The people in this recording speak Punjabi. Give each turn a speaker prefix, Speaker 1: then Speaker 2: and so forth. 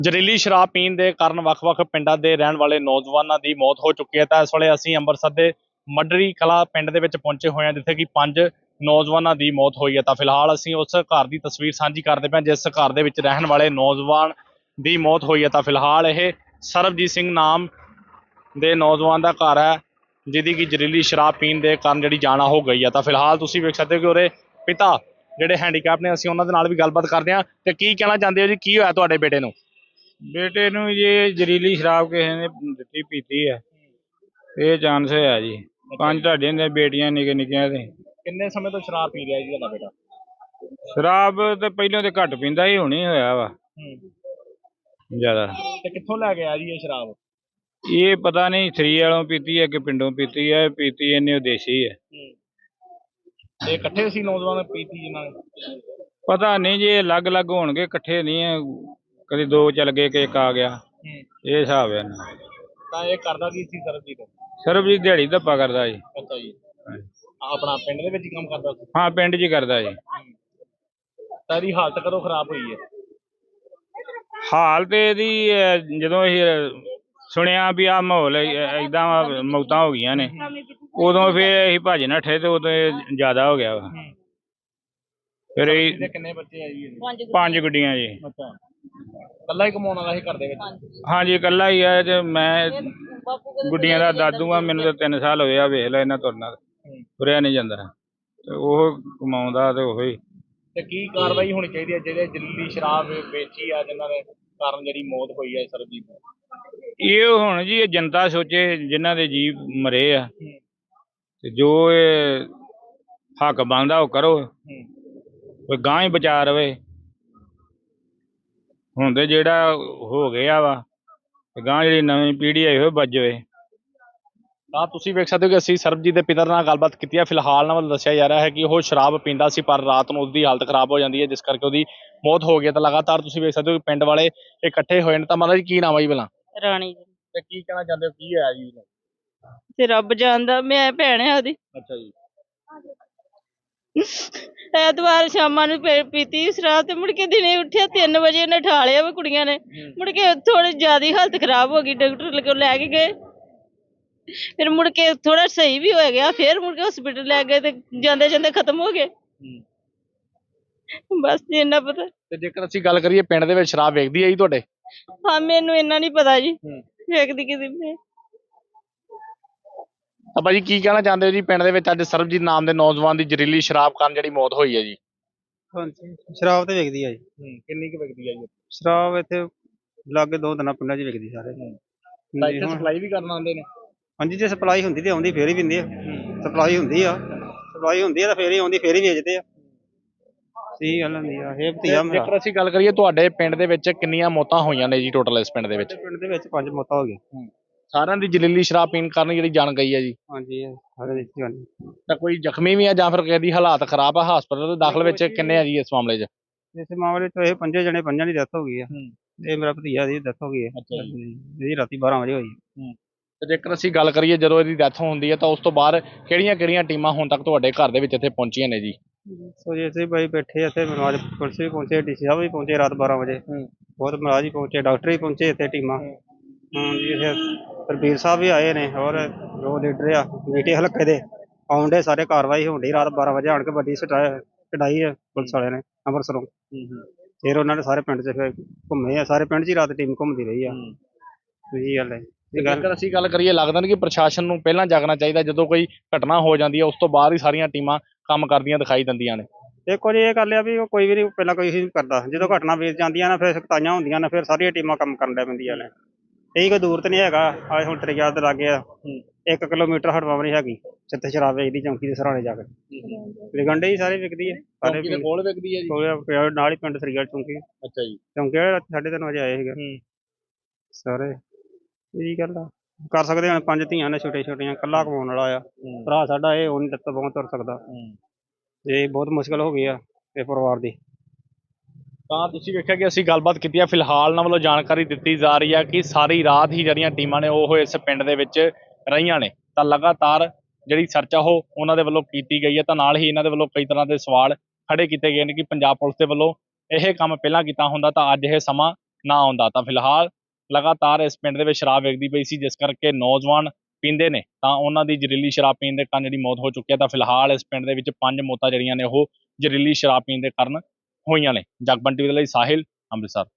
Speaker 1: ਜ਼ਹਿਰੀਲੀ ਸ਼ਰਾਬ ਪੀਣ ਦੇ ਕਾਰਨ ਵੱਖ-ਵੱਖ ਪਿੰਡਾਂ ਦੇ ਰਹਿਣ ਵਾਲੇ ਨੌਜਵਾਨਾਂ ਦੀ ਮੌਤ ਹੋ ਚੁੱਕੀ ਹੈ। ਤਾਂ ਇਸ ਵੇਲੇ ਅਸੀਂ ਅੰਮ੍ਰਿਤਸਰ ਦੇ ਮੱਡਰੀ ਕਲਾਂ ਪਿੰਡ ਦੇ ਵਿੱਚ ਪਹੁੰਚੇ ਹੋਏ ਹਾਂ, ਜਿੱਥੇ ਕਿ 5 ਨੌਜਵਾਨਾਂ ਦੀ ਮੌਤ ਹੋਈ ਹੈ। ਤਾਂ ਫਿਲਹਾਲ ਅਸੀਂ ਉਸ ਘਰ ਦੀ ਤਸਵੀਰ ਸਾਂਝੀ ਕਰਦੇ ਪਏ, ਜਿਸ ਘਰ ਦੇ ਵਿੱਚ ਰਹਿਣ ਵਾਲੇ ਨੌਜਵਾਨ ਦੀ ਮੌਤ ਹੋਈ ਹੈ। ਤਾਂ ਫਿਲਹਾਲ ਇਹ ਸਰਬਜੀਤ ਸਿੰਘ ਨਾਮ ਦੇ ਨੌਜਵਾਨ ਦਾ ਘਰ ਹੈ, ਜਿਹਦੀ ਕਿ ਜ਼ਹਿਰੀਲੀ ਸ਼ਰਾਬ ਪੀਣ ਦੇ ਕਾਰਨ ਜਿਹੜੀ ਜਾਨ ਹੋ ਗਈ ਹੈ। ਤਾਂ ਫਿਲਹਾਲ ਤੁਸੀਂ ਵੇਖ ਸਕਦੇ ਹੋ ਕਿ ਉਹਦੇ ਪਿਤਾ ਜਿਹੜੇ ਹੈਂਡੀਕੈਪ ਨੇ, ਅਸੀਂ ਉਹਨਾਂ ਦੇ ਨਾਲ ਵੀ ਗੱਲਬਾਤ ਕਰਦੇ ਹਾਂ। ਤੇ ਕੀ ਕਹਿਣਾ ਚਾਹੁੰਦੇ ਹੋ ਜੀ, ਕੀ ਹੋਇਆ ਤੁਹਾਡੇ ਬੇਟੇ ਨੂੰ?
Speaker 2: ਬੇਟੇ ਨੂੰ ਜੀ ਜ਼ਹਿਰੀਲੀ ਸ਼ਰਾਬ ਕਿਸੇ ਨੇ ਦਿੱਤੀ ਪੀਤੀ ਹੈ, ਇਹ ਚਾਂਸ ਹੋਇਆ ਜੀ। 5 ਤੁਹਾਡੇ ਨੇ ਬੇਟੀਆਂ ਨਿੱਕੇ ਨਿੱਕੀਆਂ ਤੇ।
Speaker 1: ਕਿੰਨੇ ਸਮੇਂ ਤੋਂ ਸ਼ਰਾਬ ਪੀ ਰਿਹਾ ਜੀ ਤੁਹਾਡਾ ਬੇਟਾ?
Speaker 2: ਸ਼ਰਾਬ ਤੇ ਪਹਿਲਾਂ ਤੇ ਘੱਟ ਪੀਂਦਾ ਸੀ, ਹੁਣ ਹੀ ਹੋਇਆ ਵਾ ਜ਼ਿਆਦਾ।
Speaker 1: ਤੇ ਕਿੱਥੋਂ ਲੈ ਕੇ ਆਇਆ ਜੀ ਇਹ ਸ਼ਰਾਬ?
Speaker 2: ਇਹ ਪਤਾ ਨਹੀਂ ਸ੍ਰੀ ਵਾਲੋਂ ਪੀਤੀ ਹੈ ਕਿ ਪਿੰਡੋਂ ਪੀਤੀ ਹੈ, ਪੀਤੀ ਇਹਨੇ ਦੇਸੀ ਹੈ।
Speaker 1: ਇਹ ਇਕੱਠੇ ਸੀ ਨੌਜਵਾਨ ਪੀਤੀ ਜਿਨ੍ਹਾਂ ਨੇ?
Speaker 2: ਪਤਾ ਨਹੀਂ ਜੀ, ਇਹ ਅਲੱਗ ਅਲੱਗ ਹੋਣਗੇ, ਇਕੱਠੇ ਨਹੀਂ ਹੈ। ਕਦੇ 2 ਚੱਲ ਗਏ ਕਿ 1 ਆ ਗਿਆ, ਇਹ ਹਿਸਾਬ ਹੈ ਨਾ।
Speaker 1: ਤਾਂ ਇਹ ਕਰਦਾ ਕੀ ਸੀ ਸਰਬਜੀਤ?
Speaker 2: ਸਰਬਜੀਤ ਦਿਹਾੜੀ ਧੱਪਾ ਕਰਦਾ ਜੀ।
Speaker 1: ਅੱਛਾ ਜੀ, ਆਪਣਾ ਪਿੰਡ ਦੇ ਵਿੱਚ ਹੀ ਕੰਮ ਕਰਦਾ ਸੀ?
Speaker 2: ਹਾਂ, ਪਿੰਡ 'ਚ ਹੀ ਕਰਦਾ ਜੀ।
Speaker 1: ਤਾਂ ਇਹਦੀ ਹਾਲਤ ਕਦੋਂ ਖਰਾਬ ਹੋਈ ਹੈ?
Speaker 2: ਹਾਲ ਤੇ ਇਹਦੀ ਜਦੋਂ ਅਸੀਂ ਸੁਣਿਆ ਵੀ ਆਹ ਮਾਹੌਲ ਏਦਾਂ ਮੌਤਾਂ ਹੋ ਗਈਆਂ ਨੇ, ਉਦੋਂ ਫਿਰ ਅਸੀਂ ਭੱਜ ਨੱਠੇ ਤੇ ਉਦੋਂ ਇਹ ਜ਼ਿਆਦਾ ਹੋ ਗਿਆ ਵਾ। ਫਿਰ ਇਹ
Speaker 1: ਕਿੰਨੇ ਬੱਚੇ ਆ ਜੀ?
Speaker 2: 5 ਗੁੱਡੀਆਂ ਜੀ।
Speaker 1: ਅੱਛਾ, ਇਕੱਲਾ ਹੀ ਕਮਾਉਣ ਵਾਲਾ ਸੀ ਘਰ ਦੇ ਵਿੱਚ?
Speaker 2: ਹਾਂਜੀ, ਇਕੱਲਾ ਹੀ ਆ ਤੇ ਮੈਂ ਗੁੱਡੀਆਂ ਦਾ ਦਾਦੂ ਆ। ਮੈਨੂੰ ਤਾਂ 3 ਸਾਲ ਹੋਏ ਆ, ਵੇਖ ਲੈ ਇਹਨਾਂ ਤੁਰਨਾ, ਤੁਰਿਆ ਨਹੀਂ ਜਾਂਦਾ ਤੇ ਉਹ ਕਮਾਉਂਦਾ ਤੇ ਉਹੀ।
Speaker 1: ਤੇ ਕੀ ਕਾਰਵਾਈ ਹੋਣੀ ਚਾਹੀਦੀ ਹੈ ਜਿਹੜੇ ਜ਼ਹਿਰੀਲੀ ਸ਼ਰਾਬ ਵੇਚੀ ਆ, ਜਿਨ੍ਹਾਂ ਦੇ ਕਾਰਨ ਜਿਹੜੀ ਮੌਤ ਹੋਈ ਹੈ ਸਰਬਜੀਤ ਦੀ?
Speaker 2: ਇਹ ਹੁਣ ਜੀ ਇਹ ਜਨਤਾ ਸੋਚੇ, ਜਿਨ੍ਹਾਂ ਦੇ ਜੀਵ ਮਰੇ ਆ, ਤੇ ਜੋ ਇਹ ਹੱਕ ਬਣਦਾ ਉਹ ਕਰੋ, ਕੋਈ ਗਾਂ ਹੀ ਬਚਾ ਰਵੇ। ਹੁਣ ਤੇ ਜਿਹੜਾ ਹੋ ਗਿਆ ਵਾ, ਗਾਂ ਜਿਹੜੀ ਨਵੀਂ ਪੀੜ੍ਹੀ ਹੈ ਉਹ ਬਚ ਜਾਵੇ।
Speaker 1: ਤਾਂ ਤੁਸੀਂ ਵੇਖ ਸਕਦੇ ਹੋ ਕਿ ਅਸੀਂ ਸਰਬਜੀਤ ਦੇ ਪਿਤਾ ਨਾਲ ਗੱਲਬਾਤ ਕੀਤੀ ਹੈ। ਫਿਲਹਾਲ ਨਾਲ ਦੱਸਿਆ ਜਾ ਰਿਹਾ ਹੈ ਕਿ ਉਹ ਸ਼ਰਾਬ ਪੀਂਦਾ ਸੀ, ਪਰ ਰਾਤ ਨੂੰ ਉਸਦੀ ਹਾਲਤ ਖਰਾਬ ਹੋ ਜਾਂਦੀ ਹੈ, ਜਿਸ ਕਰਕੇ ਉਹਦੀ ਮੌਤ ਹੋ ਗਈ। ਤਾਂ ਲਗਾਤਾਰ ਤੁਸੀਂ ਵੇਖ ਸਕਦੇ ਹੋ ਕਿ ਪਿੰਡ ਵਾਲੇ ਇਕੱਠੇ ਹੋਏ ਨੇ। ਤਾਂ ਮਤਲਬ ਜੀ ਕੀ ਨਾਮ ਹੈ ਜੀ ਭਲਾ?
Speaker 3: ਰਾਣੀ ਜੀ।
Speaker 1: ਤੇ ਕੀ ਕਹਿਣਾ ਚਾਹੁੰਦੇ ਹੋ, ਕੀ ਹੋਇਆ ਜੀ?
Speaker 3: ਤੇ ਰੱਬ ਜਾਣਦਾ, ਮੈਂ ਭੈਣ ਆ ਉਹਦੀ।
Speaker 1: ਅੱਛਾ ਜੀ।
Speaker 3: ਐਤਵਾਰ ਸ਼ਾਮਾਂ ਨੂੰ ਪੀਤੀ ਸ਼ਰਾਬ ਤੇ ਮੁੜ ਕੇ ਦਿਨੇ ਉੱਠਿਆ 3 ਵਜੇ ਉਹਨੇ ਠਾ ਲਿਆ ਵਾ ਕੁੜੀਆਂ ਨੇ। ਮੁੜ ਕੇ ਥੋੜੀ ਜ਼ਿਆਦਾ ਹਾਲਤ ਖਰਾਬ ਹੋ ਗਈ, ਡਾਕਟਰ ਕੋਲ ਲੈ ਕੇ ਗਏ, ਫਿਰ ਮੁੜ ਕੇ ਥੋੜਾ ਸਹੀ ਵੀ ਹੋ ਗਿਆ, ਫਿਰ ਮੁੜ ਕੇ ਹਸਪੀਟਲ ਲੈ ਗਏ ਤੇ ਜਾਂਦੇ ਜਾਂਦੇ ਖਤਮ ਹੋ ਗਏ। ਬਸ ਜੀ ਇੰਨਾ ਪਤਾ।
Speaker 1: ਤੇ ਜੇਕਰ ਅਸੀਂ ਗੱਲ ਕਰੀਏ ਪਿੰਡ ਦੇ ਵਿੱਚ ਸ਼ਰਾਬ ਵੇਚਦੀ ਹੈ ਜੀ ਤੁਹਾਡੇ?
Speaker 3: ਹਾਂ, ਮੈਨੂੰ ਇੰਨਾ ਨਹੀਂ ਪਤਾ ਜੀ, ਵੇਖਦੀ ਕਿਸੇ ਨੇ।
Speaker 1: ਤਾਂ ਭਾਜੀ ਕੀ ਕਹਿਣਾ ਚਾਹੁੰਦੇ ਹੋ ਜੀ, ਪਿੰਡ ਦੇ ਵਿੱਚ ਅੱਜ ਸਰਬਜੀਤ ਨਾਮ ਦੇ ਨੌਜਵਾਨ ਦੀ ਜ਼ਹਿਰੀਲੀ ਸ਼ਰਾਬ ਕਾਰਨ ਜਿਹੜੀ ਮੌਤ ਹੋਈ ਹੈ ਜੀ?
Speaker 4: ਹਾਂਜੀ, ਸ਼ਰਾਬ ਤੇ ਵਿਕਦੀ ਆ ਜੀ।
Speaker 1: ਕਿੰਨੀ ਕੁ ਵਿਕਦੀ ਹੈ ਜੀ?
Speaker 4: ਸ਼ਰਾਬ ਇੱਥੇ ਲਾਗੇ 2 ਦਿਨਾਂ ਪਿੰਡਾਂ 'ਚ ਵਿਕਦੀ ਸਾਰੇ।
Speaker 1: ਤਾਂ ਇੱਥੇ ਸਪਲਾਈ ਵੀ ਕਰਨ ਆਉਂਦੇ ਨੇ?
Speaker 4: ਹਾਂਜੀ, ਜੇ ਸਪਲਾਈ ਹੁੰਦੀ ਤੇ ਆਉਂਦੀ, ਫੇਰ ਹੀ ਪੀਂਦੇ ਆ। ਸਪਲਾਈ ਹੁੰਦੀ ਆ ਤਾਂ ਫੇਰ ਹੀ ਆਉਂਦੀ, ਫੇਰ ਹੀ ਵੇਚਦੇ ਆ। ਸਹੀ ਗੱਲ ਹੁੰਦੀ ਆ ਇਹ ਭਤੀਆ ਮੇਰਾ।
Speaker 1: ਜੇਕਰ ਅਸੀਂ ਗੱਲ ਕਰੀਏ ਤੁਹਾਡੇ ਪਿੰਡ ਦੇ ਵਿੱਚ ਕਿੰਨੀਆਂ ਮੌਤਾਂ ਹੋਈਆਂ ਨੇ ਜੀ ਟੋਟਲ ਇਸ ਪਿੰਡ ਦੇ ਵਿੱਚ?
Speaker 4: ਪਿੰਡ ਦੇ ਵਿੱਚ 5 ਮੌਤਾਂ ਹੋ ਗਈਆਂ।
Speaker 1: ਸਾਰਿਆਂ ਦੀ ਜ਼ਹਿਰੀਲੀ ਸ਼ਰਾਬ ਪੀਣ ਕਾਰਨ ਜਿਹੜੀ ਜਾਨ ਗਈ ਹੈ ਜੀ?
Speaker 4: ਹਾਂਜੀ, ਸਾਰੇ ਦਿੱਤੀ ਹੋਣੀ।
Speaker 1: ਤਾਂ ਕੋਈ ਜ਼ਖਮੀ ਵੀ ਆ ਜਾਂ ਫਿਰ ਕਿਸੇ ਦੀ ਹਾਲਾਤ ਖਰਾਬ ਆ, ਹਸਪਤਾਲ ਦੇ ਦਾਖਲ ਵਿੱਚ ਕਿੰਨੇ ਆ ਜੀ ਇਸ ਮਾਮਲੇ 'ਚ?
Speaker 4: ਇਸ ਮਾਮਲੇ 'ਚ ਇਹ 5 ਜਣੇ, 5 ਦੀ ਡੈਥ ਹੋ ਗਈ ਆ। ਇਹ ਮੇਰਾ ਭਤੀਆ ਦੀ ਡੈਥ ਹੋ ਗਈ ਹੈ, ਇਹਦੀ ਰਾਤੀ 12 ਵਜੇ ਹੋਈ।
Speaker 1: ਤੇ ਜੇਕਰ ਅਸੀਂ ਗੱਲ ਕਰੀਏ ਜਦੋਂ ਇਹਦੀ ਡੈਥ ਹੁੰਦੀ ਹੈ ਤਾਂ ਉਸ ਤੋਂ ਬਾਅਦ ਕਿਹੜੀਆਂ ਟੀਮਾਂ ਹੁਣ ਤੱਕ ਤੁਹਾਡੇ ਘਰ ਦੇ ਵਿੱਚ ਇੱਥੇ ਪਹੁੰਚੀਆਂ ਨੇ ਜੀ?
Speaker 4: ਸੋ ਜੀ ਅਸੀਂ ਬਾਈ ਬੈਠੇ ਇੱਥੇ, ਮਨਵਾਜ ਪੁਲਿਸ ਵੀ ਪਹੁੰਚੇ, ਡੀਸੀ ਸਾਹਿਬ ਵੀ ਪਹੁੰਚੇ ਰਾਤ 12 ਵਜੇ। ਬਹੁਤ ਮਹਾਰਾਜ ਹੀ ਪਹੁੰਚੇ, ਡਾਕਟਰ ਵੀ ਪਹੁੰਚੇ ਇੱਥੇ, ਟੀਮਾਂ। ਜੀ ਇੱਥੇ ਸਰਬੀਰ ਸਾਹਿਬ ਵੀ ਆਏ ਨੇ, ਹੋਰ ਜੋ ਲੀਡਰ ਆ ਮੀਟੇ ਹਲਕੇ ਦੇ ਆਉਂਦੇ, ਸਾਰੇ ਕਾਰਵਾਈ ਹੋਣ ਡਈ। ਰਾਤ 12 ਵਜੇ ਆਣ ਕੇ ਵੱਡੀ ਕਢਾਈ ਹੈ ਪੁਲਿਸ ਵਾਲਿਆਂ ਨੇ ਅੰਮ੍ਰਿਤਸਰੋਂ। ਫਿਰ ਉਹਨਾਂ ਨੇ ਸਾਰੇ ਪਿੰਡ 'ਚ ਫਿਰ ਘੁੰਮੇ ਆ, ਸਾਰੇ ਪਿੰਡ 'ਚ ਹੀ ਰਾਤ ਟੀਮ ਘੁੰਮਦੀ ਰਹੀ ਆ। ਸਹੀ ਗੱਲ ਹੈ।
Speaker 1: ਜੇਕਰ ਅਸੀਂ ਗੱਲ ਕਰੀਏ, ਲੱਗਦਾ ਨਹੀਂ ਕਿ ਪ੍ਰਸ਼ਾਸਨ ਨੂੰ ਪਹਿਲਾਂ ਜਾਗਣਾ ਚਾਹੀਦਾ? ਜਦੋਂ ਕੋਈ ਘਟਨਾ ਹੋ ਜਾਂਦੀ ਹੈ ਉਸ ਤੋਂ ਬਾਅਦ ਹੀ ਸਾਰੀਆਂ ਟੀਮਾਂ ਕੰਮ ਕਰਦੀਆਂ ਦਿਖਾਈ ਦਿੰਦੀਆਂ ਨੇ।
Speaker 4: ਦੇਖੋ ਜੀ, ਇਹ ਗੱਲ ਆ ਵੀ ਉਹ ਕੋਈ ਵੀ ਨਹੀਂ ਪਹਿਲਾਂ ਕੋਈ ਨਹੀਂ ਕਰਦਾ। ਜਦੋਂ ਘਟਨਾ ਵੇਚ ਜਾਂਦੀਆਂ ਨੇ, ਫਿਰ ਸਖਤਾਈਆਂ ਹੁੰਦੀਆਂ ਨੇ, ਫਿਰ ਸਾਰੀਆਂ ਟੀਮਾਂ ਕੰਮ ਕਰਨ ਲੱਗ ਪੈਂਦੀਆਂ ਨੇ। ਇਹੀ ਕੋਈ ਦੂਰ ਤੇ ਨਹੀਂ ਹੈਗਾ, ਆਹ ਹੁਣ ਤੇਰੇ ਯਾਦ ਲਾਗੇ ਆ 1 ਕਿਲੋਮੀਟਰ ਹਟਵਾ ਨਹੀਂ ਹੈਗੀ ਜਿੱਥੇ ਸ਼ਰਾਬ ਵੇਚਦੀ, ਚੌਂਕੀ ਦੇ ਸਰਾਣੇ ਜਾ ਕੇ ਵਿਕਣ ਡਈ, ਸਾਰੇ ਵਿਕਦੀ ਹੈ। ਸਾਰੇ
Speaker 1: ਕੋਲ ਵਿਕਦੀ ਹੈ ਜੀ?
Speaker 4: ਨਾਲ ਹੀ ਪਿੰਡ ਸਰੀਆ ਚੌਂਕੀ।
Speaker 1: ਅੱਛਾ ਜੀ।
Speaker 4: ਚੌਂਕੀ 3:30 ਵਜੇ ਆਏ ਸੀਗੇ ਸਾਰੇ। ਇਹੀ ਗੱਲ ਆ, ਕਰ ਸਕਦੇ ਹੁਣ 5 ਧੀਆਂ ਨੇ ਛੋਟੀਆਂ, ਇਕੱਲਾ ਕਮਾਉਣ ਵਾਲਾ ਆ ਭਰਾ ਸਾਡਾ। ਇਹ ਉਹ ਨਹੀਂ ਦਿੱਤਾ ਬਹੁਤ ਤੁਰ ਸਕਦਾ, ਇਹ ਬਹੁਤ ਮੁਸ਼ਕਿਲ ਹੋ ਗਈ ਆ ਇਹ ਪਰਿਵਾਰ ਦੀ।
Speaker 1: ਤਾਂ ਤੁਸੀਂ ਵੇਖਿਆ ਕਿ ਅਸੀਂ ਗੱਲਬਾਤ ਕੀਤੀ ਹੈ। ਫਿਲਹਾਲ ਨਾਲ ਵੱਲੋਂ ਜਾਣਕਾਰੀ ਦਿੱਤੀ ਜਾ ਰਹੀ ਹੈ ਕਿ ਸਾਰੀ ਰਾਤ ਹੀ ਜਿਹੜੀਆਂ ਟੀਮਾਂ ਨੇ ਉਹ ਇਸ ਪਿੰਡ ਦੇ ਵਿੱਚ ਰਹੀਆਂ ਨੇ। ਤਾਂ ਲਗਾਤਾਰ ਜਿਹੜੀ ਸਰਚ ਆ ਉਹ ਉਹਨਾਂ ਦੇ ਵੱਲੋਂ ਕੀਤੀ ਗਈ ਹੈ। ਤਾਂ ਨਾਲ ਹੀ ਇਹਨਾਂ ਦੇ ਵੱਲੋਂ ਕਈ ਤਰ੍ਹਾਂ ਦੇ ਸਵਾਲ ਖੜੇ ਕੀਤੇ ਗਏ ਨੇ ਕਿ ਪੰਜਾਬ ਪੁਲਿਸ ਦੇ ਵੱਲੋਂ ਇਹ ਕੰਮ ਪਹਿਲਾਂ ਕੀਤਾ ਹੁੰਦਾ ਤਾਂ ਅੱਜ ਇਹ ਸਮਾਂ ਨਾ ਆਉਂਦਾ। ਤਾਂ ਫਿਲਹਾਲ ਲਗਾਤਾਰ ਇਸ ਪਿੰਡ ਦੇ ਵਿੱਚ ਸ਼ਰਾਬ ਵਿਕਦੀ ਪਈ ਸੀ, ਜਿਸ ਕਰਕੇ ਨੌਜਵਾਨ ਪੀਂਦੇ ਨੇ ਤਾਂ ਉਹਨਾਂ ਦੀ ਜ਼ਹਿਰੀਲੀ ਸ਼ਰਾਬ ਪੀਣ ਦੇ ਕਾਰਨ ਜਿਹੜੀ ਮੌਤ ਹੋ ਚੁੱਕੀ ਹੈ। ਤਾਂ ਫਿਲਹਾਲ ਇਸ ਪਿੰਡ ਦੇ ਵਿੱਚ 5 ਮੌਤਾਂ ਜਿਹੜੀਆਂ ਨੇ ਉਹ ਜ਼ਹਿਰੀਲੀ ਸ਼ਰਾਬ ਪੀਣ ਦੇ ਕਾਰਨ ਹੋਈਆਂ ਨੇ। ਜਗਬਾਣੀ ਟੀਵੀ ਦੇ ਲਈ ਸਾਹਿਲ, ਅੰਮ੍ਰਿਤਸਰ।